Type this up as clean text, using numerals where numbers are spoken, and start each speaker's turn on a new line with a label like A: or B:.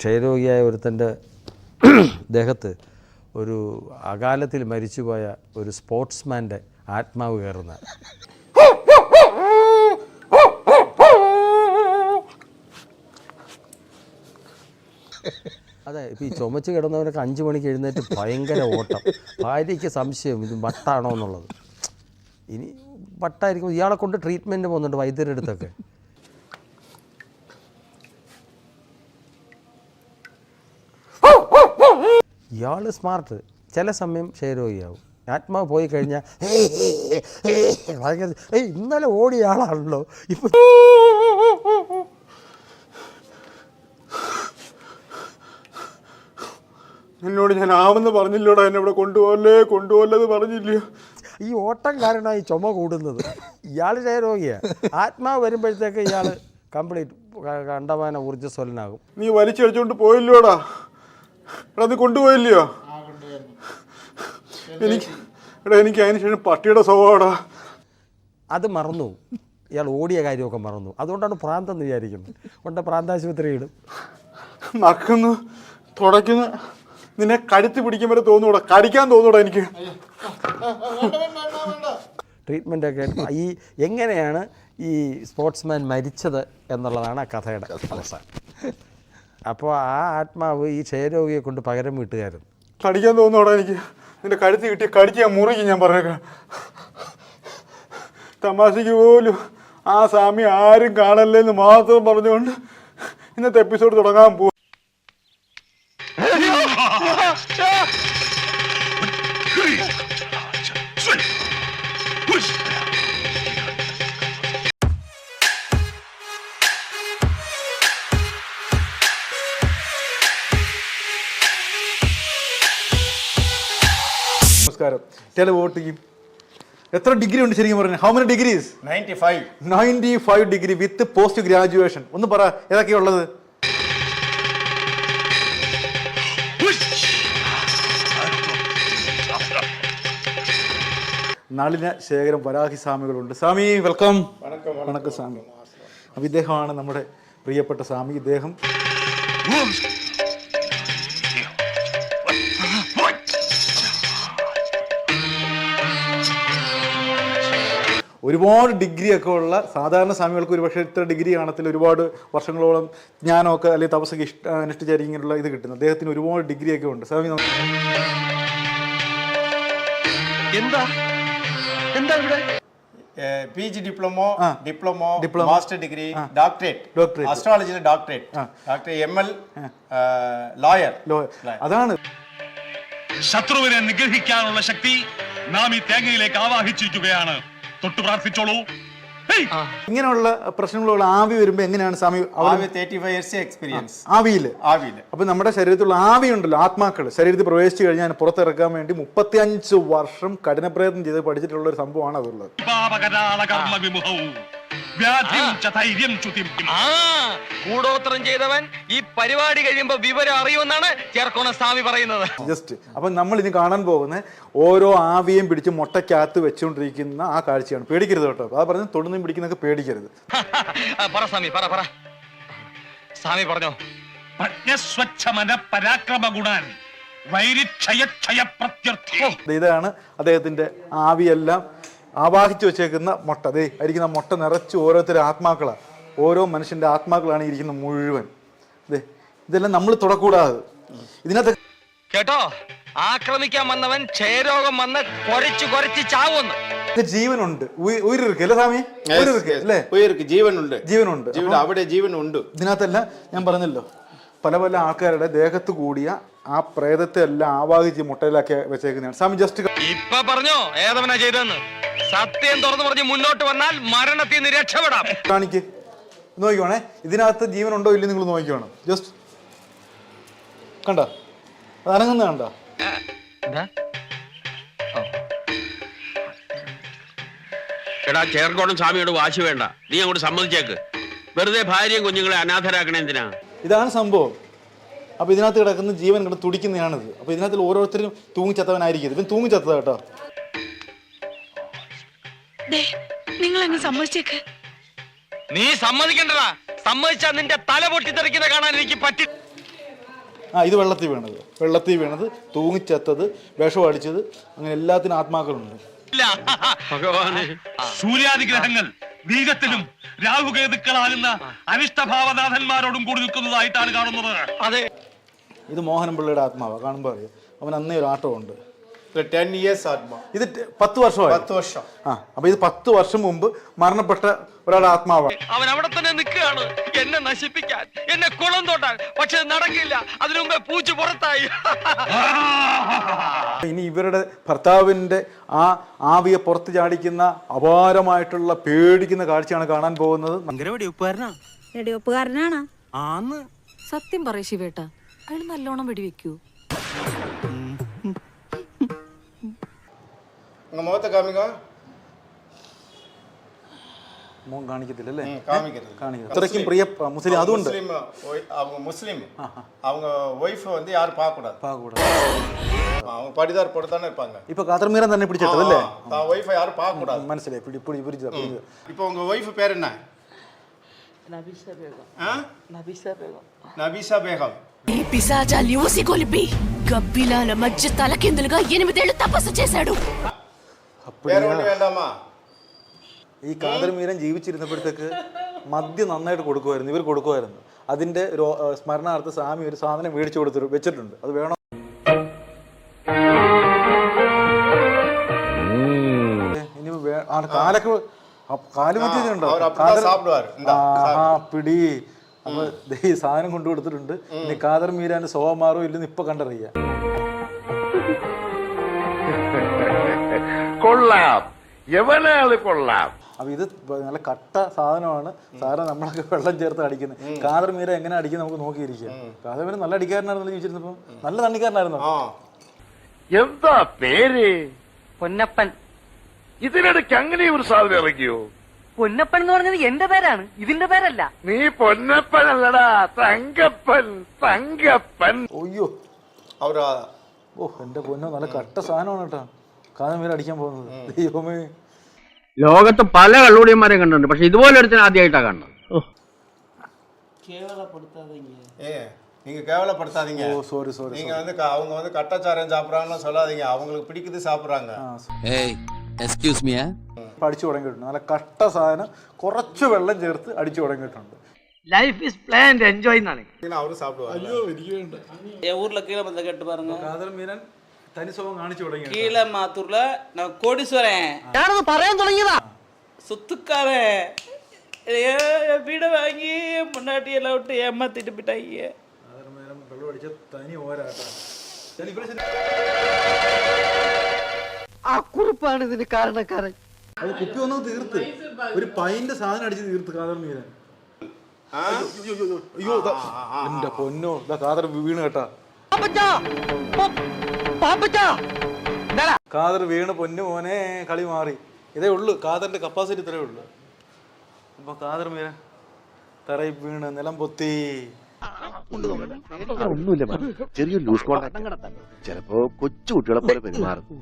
A: ക്ഷയരോഗിയായ ഒരുത്തൻ്റെ ദേഹത്ത് ഒരു അകാലത്തിൽ മരിച്ചുപോയ ഒരു സ്പോർട്സ്മാൻ്റെ ആത്മാവ് കയറുന്ന അതെ. ഇപ്പോൾ ഈ ചുമച്ച് കിടന്നവരൊക്കെ 5 മണിക്ക് എഴുന്നേറ്റ് ഭയങ്കര ഓട്ടം. ഭാര്യയ്ക്ക് സംശയം ഇത് വട്ടാണോ എന്നുള്ളത്. ഇനി വട്ടായിരിക്കും. ഇയാളെ കൊണ്ട് ട്രീറ്റ്മെൻറ്റ് പോകുന്നുണ്ട് വൈദ്യരുടെ അടുത്തൊക്കെ. ഇയാൾ സ്മാർട്ട്, ചില സമയം ക്ഷയരോഗിയാവും. ആത്മാവ് പോയി കഴിഞ്ഞാൽ ഭയങ്കര ഇന്നലെ ഓടിയ ആളാണല്ലോ ഇപ്പം.
B: എന്നോട് ഞാൻ ആമെന്ന് പറഞ്ഞില്ലോടാ, എന്നെ ഇവിടെ കൊണ്ടുപോകല്ലെന്ന് പറഞ്ഞില്ലയോ.
A: ഈ ഓട്ടം കാരണമായി ചുമ കൂടുന്നത്. ഇയാൾ ക്ഷയരോഗിയാണ്. ആത്മാവ് വരുമ്പോഴത്തേക്ക് ഇയാൾ കംപ്ലീറ്റ് കണ്ടമാന ഊർജ്ജസ്വലനാകും.
B: നീ വലിച്ചടിച്ചോണ്ട് പോയില്ലോടാ. എടാ നീ കൊണ്ടുപോയില്ലയോ? എനിക്ക് അതിന് ശേഷം പട്ടിയുടെ സ്വഭാവടാ.
A: അത് മറന്നു. ഇയാൾ ഓടിയ കാര്യമൊക്കെ മറന്നു. അതുകൊണ്ടാണ് പ്രാന്തെന്ന് വിചാരിക്കുന്നത്. കൊണ്ട് പ്രാന്താശുപത്രി ഇടും.
B: നക്കുന്നു, തുടയ്ക്കുന്നു, നിന്നെ കഴുത്തി പിടിക്കും വരെ തോന്നൂടാ, കടിക്കാൻ തോന്നൂടാ എനിക്ക്.
A: ട്രീറ്റ്മെൻറ്റൊക്കെ ഈ എങ്ങനെയാണ് ഈ സ്പോർട്സ്മാൻ മരിച്ചത് എന്നുള്ളതാണ് ആ കഥയുടെ അവസാനം. അപ്പോൾ ആ ആത്മാവ് ഈ ക്ഷയരോഗിയെ കൊണ്ട് പകരം വീട്ടുകാരുന്നു.
B: കടിക്കാൻ തോന്നൂടാ എനിക്ക്. നിന്റെ കഴുത്തി കിട്ടി കടിക്കാൻ മുറിക്കും ഞാൻ പറഞ്ഞേക്കാം. തമാശയ്ക്ക് പോലും ആ സ്വാമി ആരും കാണല്ലേന്ന് മാത്രം പറഞ്ഞുകൊണ്ട് ഇന്നത്തെ എപ്പിസോഡ് തുടങ്ങാൻ പോകും. നമസ്കാരം. ചില വോട്ടിക്കും എത്ര ഡിഗ്രി ഉണ്ട് ശരിക്കും പറഞ്ഞു? How many degrees? 95 degree with post graduation. ഒന്ന് പറ ഏതൊക്കെയുള്ളത്? നളിന ശേഖരം വരാഹി സ്വാമികളുണ്ട്. സ്വാമി വെൽക്കം. വണക്കം സ്വാമി. അപ്പം ഇദ്ദേഹമാണ് നമ്മുടെ പ്രിയപ്പെട്ട സ്വാമി. ഇദ്ദേഹം ഒരുപാട് ഡിഗ്രി ഒക്കെ ഉള്ള സാധാരണ സ്വാമികൾക്ക് ഒരു പക്ഷേ ഇത്ര ഡിഗ്രി കാണത്തില്ല. ഒരുപാട് വർഷങ്ങളോളം ജ്ഞാനമൊക്കെ അല്ലെങ്കിൽ തപസ്സൊക്കെ അനുഷ്ഠിച്ചായിരിക്കും ഇങ്ങനെയുള്ള ഇത് കിട്ടുന്നത്. അദ്ദേഹത്തിന് ഒരുപാട് ഡിഗ്രി ഒക്കെ ഉണ്ട്. സ്വാമി
C: PG diploma, master degree, doctorate, അസ്ട്രോളജിയിലെ ഡോക്ടറേറ്റ്, ML, ലോയർ.
B: അതാണ്
D: ശത്രുവിനെ നിഗ്രഹിക്കാനുള്ള ശക്തി നാം ഈ തേങ്ങയിലേക്ക് ആവാഹിച്ചിരിക്കുകയാണ്. തൊട്ടു പ്രാർത്ഥിച്ചോളൂ.
B: ഇങ്ങനെയുള്ള പ്രശ്നങ്ങളുള്ള ആവി വരുമ്പോ എങ്ങനെയാണ് സ്വാമി?
C: 35 years എക്സ്പീരിയൻസ്
B: ആവിയില്. അപ്പൊ നമ്മുടെ ശരീരത്തിലുള്ള ആവി ഉണ്ടല്ലോ, ആത്മാക്കൾ ശരീരത്തിൽ പ്രവേശിച്ചു കഴിഞ്ഞാൽ പുറത്തിറക്കാൻ വേണ്ടി 35 വർഷം കഠിന പ്രയത്നം ചെയ്ത് പഠിച്ചിട്ടുള്ള ഒരു സംഭവമാണ് അതുള്ളത്.
E: കൂടോത്രം ചെയ്തവൻ ഈ പരിപാടി കഴിയുമ്പോ വിവരം അറിയുമെന്നാണ് ചേർക്കോണ സ്വാമി പറയുന്നത്.
B: ജസ്റ്റ് അപ്പൊ നമ്മൾ ഇനി കാണാൻ പോകുന്ന ഓരോ ആവിയും പിടിച്ച് മുട്ടയ്ക്കകത്ത് വെച്ചുകൊണ്ടിരിക്കുന്ന ആ കാഴ്ചയാണ്. പേടിക്കരുത് കേട്ടോ. അത് പറഞ്ഞ് തൊടുന്നും പിടിക്കുന്നൊക്കെ പേടിക്കരുത്.
E: പറ സ്വാമി, പറ സ്വാമി പറഞ്ഞോ.
B: ഇതാണ് അദ്ദേഹത്തിന്റെ ആവിയെല്ലാം ആവാഹിച്ചു വെച്ചേക്കുന്ന മുട്ട. അതേ ആയിരിക്കുന്ന മുട്ട നിറച്ച് ഓരോരുത്തരും ആത്മാക്കളാണ്. ഓരോ മനുഷ്യന്റെ ആത്മാക്കളാണ് ഇരിക്കുന്ന മുഴുവൻ. അതെ, ഇതെല്ലാം നമ്മൾ തുടക്കൂടാതെ ഇതിനകത്ത്
E: കേട്ടോ. ആക്രമിക്കാൻ വന്നവൻ ക്ഷയരോഗം വന്ന് കൊരച്ച് ചാവുന്നു.
B: ജീവനുണ്ട്, ഉയർക്ക് അല്ലേ സ്വാമി? അല്ലേ, ജീവനുണ്ട്.
C: അവിടെ ജീവനുണ്ട്.
B: ഇതിനകത്തെല്ലാം ഞാൻ പറഞ്ഞല്ലോ, പല പല ആൾക്കാരുടെ ദേഹത്ത് കൂടിയ ആ പ്രേതത്തെ എല്ലാം ആവാഹിച്ച് മുട്ടയിലാക്കി വെച്ചേക്കുന്നതാണ് സ്വാമി. ജസ്റ്റ്
E: ഇപ്പൊ പറഞ്ഞോ ഏതവനാ ചെയ്തെന്ന്. സത്യം തുറന്നു പറഞ്ഞ് മുന്നോട്ട് വന്നാൽ മരണത്തിൽ നിന്ന് രക്ഷപ്പെടാം.
B: കാണിക്ക്, നോക്കിക്കോണേ. ഇതിനകത്ത് ജീവനുണ്ടോ ഇല്ല നിങ്ങൾ നോക്കിക്കോണം. ജസ്റ്റ് കണ്ട, അത് അനങ്ങുന്ന കണ്ടോ?
F: എടാ ചേർക്കോണം സ്വാമിയോട് വാശി വേണ്ട. നീ അങ്ങോട്ട് സമ്മതിച്ചേക്ക്. വെറുതെ ഭാര്യയും കുഞ്ഞുങ്ങളെ അനാഥരാക്കണേ എന്തിനാ?
B: ഇതാണ് സംഭവം. അപ്പൊ ഇതിനകത്ത് കിടക്കുന്ന ജീവൻ ഇവിടെ തുടിക്കുന്നതാണിത്. അപ്പൊ ഇതിനകത്ത് ഓരോരുത്തരും തൂങ്ങിച്ചത്തവനായിരിക്കും. ഇവൻ തൂങ്ങിച്ചത്തത് കേട്ടോ.
G: നിങ്ങൾ അങ്ങ് സമ്മതിച്ചേക്ക്.
E: നീ സമ്മതിക്കണ്ടടാ. സമ്മതിച്ചാ നിന്റെ തല പൊട്ടിത്തെറിക്കുന്ന കാണാൻ എനിക്ക് പറ്റി.
B: ഇത് വെള്ളത്തിൽ വീണത് തൂങ്ങിച്ചത്തത്, വിഷം അടിച്ചത്, അങ്ങനെ എല്ലാത്തിനും ആത്മാക്കളുണ്ട്.
D: സൂര്യാദിഗ്രഹങ്ങൾ ബീജത്തിലും രാഹുകേതുക്കളാകുന്ന അനിഷ്ടഭാവനാഥന്മാരോടും കൂടി നിൽക്കുന്നതായിട്ടാണ് കാണുന്നത്.
E: അതെ,
B: ഇത് മോഹനൻ പിള്ളയുടെ ആത്മാവാണ്. കാണുമ്പോൾ അറിയാം, അവൻ അന്നേ ഒരു ആട്ടമുണ്ട്.
C: 10 years ആത്മാ.
B: ഇത് 10 വർഷമായി.
C: 10 വർഷം.
B: അപ്പൊ ഇത് 10 വർഷം മുമ്പ് മരണപ്പെട്ട ഒരാളുടെ ആത്മാവാണ്.
E: അവൻ അവിടെ തന്നെ നിൽക്കുകയാണ് എന്നെ നശിപ്പിക്കാൻ, എന്നെ കുളം തോട്ടാൻ. പക്ഷെ നടക്കില്ല, അതിനു മുമ്പേ പൂച്ച പുറത്തായി.
B: ഇനി ഇവരുടെ ഭർത്താവിന്റെ ആ ആവിയെ പുറത്ത് ചാടിക്കുന്ന അപാരമായിട്ടുള്ള പേടിക്കുന്ന കാഴ്ചയാണ് കാണാൻ പോകുന്നത്.
H: വെടിവെപ്പുകാരനാണ്.
G: സത്യം പറയ ശിവേട്ട, അയാൾ നല്ലോണം വെടിവെക്കൂ.
C: உங்க முகத்தை காமிங்க.
B: മോൻ കാണിക്കത്തില്ല അല്ലേ?
C: காமிக்கிறது.
B: കാണിക്കത്തില്ല. അത്രയ്ക്കും പ്രിയ മുസ്ലിം. അതുകൊണ്ട്
C: அவங்க முஸ்லீம். அவங்க ஒய்ஃப் வந்து யாரும் பார்க்க கூடாது. அவங்க படிதார் போட்டு தானே இருப்பாங்க.
B: ഇപ്പൊ കാതർമീരൻ തന്നെ പിടിച്ചിട്ടല്ലേ?
C: தான் ஒய்ஃபை யாரும் பார்க்க கூடாது.
B: മനസ്സിലായി. പിടിച്ചതാ.
C: இப்போ உங்க ஒய்ஃப் பேர் என்ன?
H: നബീസ ബേഗം.
C: నబీసా బేగం.
G: ఈ పిశాచాల్ని ఊసిగొలిపి గబ్బిలాల మధ్య తలకిందులుగా 8 ఏళ్ళు తపస్సు చేశాడు.
C: வேற ஒண்ணு வேண்டாமா?
B: ഈ കാതർമീരൻ ജീവിച്ചിരുന്നപ്പോഴത്തേക്ക് മദ്യം നന്നായിട്ട് കൊടുക്കുമായിരുന്നു. ഇവർ കൊടുക്കുമായിരുന്നു. അതിന്റെ സ്മരണാർത്ഥ സ്വാമി ഒരു സാധനം മേടിച്ചു വെച്ചിട്ടുണ്ട്. അത് വേണം. ഇനി കാലൊക്കെ കാല് മറ്റേതുണ്ടോ? പിടി. അപ്പൊ ഈ സാധനം കൊണ്ടു കൊടുത്തിട്ടുണ്ട്. ഇനി കാതർമീരാന്റെ സ്വഭാവം മാറോ ഇല്ലെന്ന് ഇപ്പൊ കണ്ടറിയാം.
F: കൊള്ളാം, എവനാള് കൊള്ളാം.
B: അപ്പൊ ഇത് നല്ല കട്ട സാധനമാണ്. സാധനം നമ്മളൊക്കെ വെള്ളം ചേർത്ത് അടിക്കുന്നത്. കാതർമീര എങ്ങനെ അടിക്കുന്നത് നമുക്ക് നോക്കിയിരിക്കാം. കാതർമീര നല്ല അടിക്കാരനായിരുന്നു ജീവിച്ചിരുന്നപ്പോ. നല്ല തണ്ണിക്കാരനായിരുന്നു.
F: എന്താ പേര്?
H: പൊന്നപ്പൻ.
F: ഇതിനിടയ്ക്ക് അങ്ങനെ ഒരു സാധനം ഇറങ്ങിയോ?
H: പൊന്നപ്പൻ എന്ന് പറഞ്ഞത് എന്റെ പേരാണ്, ഇതിന്റെ പേരല്ല.
F: നീ പൊന്നപ്പനല്ലടാ, തങ്കപ്പൻ.
B: ഒയ്യോ,
C: அவரா?
B: ഓ എന്റെ പൊന്നോ, നല്ല കട്ട സാധനമാണ് കേട്ടോ കാതർമീര അടിക്കാൻ പോകുന്നത്. ദൈവമേ,
F: ലോകത്ത് പല കള്ളുടിയന്മാരെയും കണ്ടിട്ടുണ്ട്, പക്ഷെ ഇതുപോലെ ഒരുത്തിന് ആദ്യമായിട്ടാണ് കാണുന്നത്.
C: நீங்க கேவலப்படுத்தாதீங்க.
B: ഓ സോറി.
C: நீங்க வந்து அவங்க வந்து கட்டச்சாரம் சாப்பிடுறாங்கன்னு சொல்லாதீங்க. அவங்களுக்கு பிடிக்குது சாப்பிடுறாங்க.
E: എക്സ്ക്യൂസ് മീ,
B: അടിച്ചു തുടങ്ങിയിട്ടുണ്ട്. നല്ല കട്ട സാധനം കുറച്ച് വെള്ളം ചേർത്ത് അടിച്ചു തുടങ്ങിയിട്ടുണ്ട്.
H: ലൈഫ് ഈസ് പ്ലാൻഡ് എൻജോയ് എന്നാണ്.
C: அவரு சாப்பிடுவாங்க.
B: അയ്യോ എനിക്ക് വേണ്ട.
H: ஊர்ல கீழே பந்த கேட்டு பாருங்க.
B: കാതർമീരൻ തനി സ്വഭാവം കാണിച്ചു തുടങ്ങി.
H: கீழே மாத்தூர்ல நான் கோடீஸ்வரன். ഞാനത് പറയാൻ തുടങ്ങിയതാ. சொத்துக்காரன் வீட வாங்கி முன்னாடி எல்லாம் விட்டு ஏமாத்திட்டு போயிட்டாங்க.
B: കാതർമീരൻ വെള്ളം അടിച്ച തനി ഓരാട്ടാ.
H: ആ കുറിപ്പാണ് ഇതിന് കാരണക്കാരൻ.
B: അത് കുപ്പി ഒന്നും തീർത്ത് ഒരു പൈന്റെ സാധനം അടിച്ച് തീർത്ത് കാതർമീരൻ. അയ്യോ എന്റെ പൊന്നോ, ഇതാ കാതർ വീണ് കേട്ടാ. കാതർ വീണ് പൊന്നു മോനെ, കളി മാറി. ഇതേ ഉള്ളു കാതറിന്റെ കപ്പാസിറ്റി, ഇത്രേ ഉള്ളു. അപ്പൊ കാതർമീരൻ തറയിൽ വീണ് നിലം പൊത്തി.
I: ഒന്നുമില്ല, ചെറിയൊരു ലൂസ് കോണ്ടാക്ട്. ചിലപ്പോ കൊച്ചു കുട്ടികളെ പോലെ പെരുമാറും.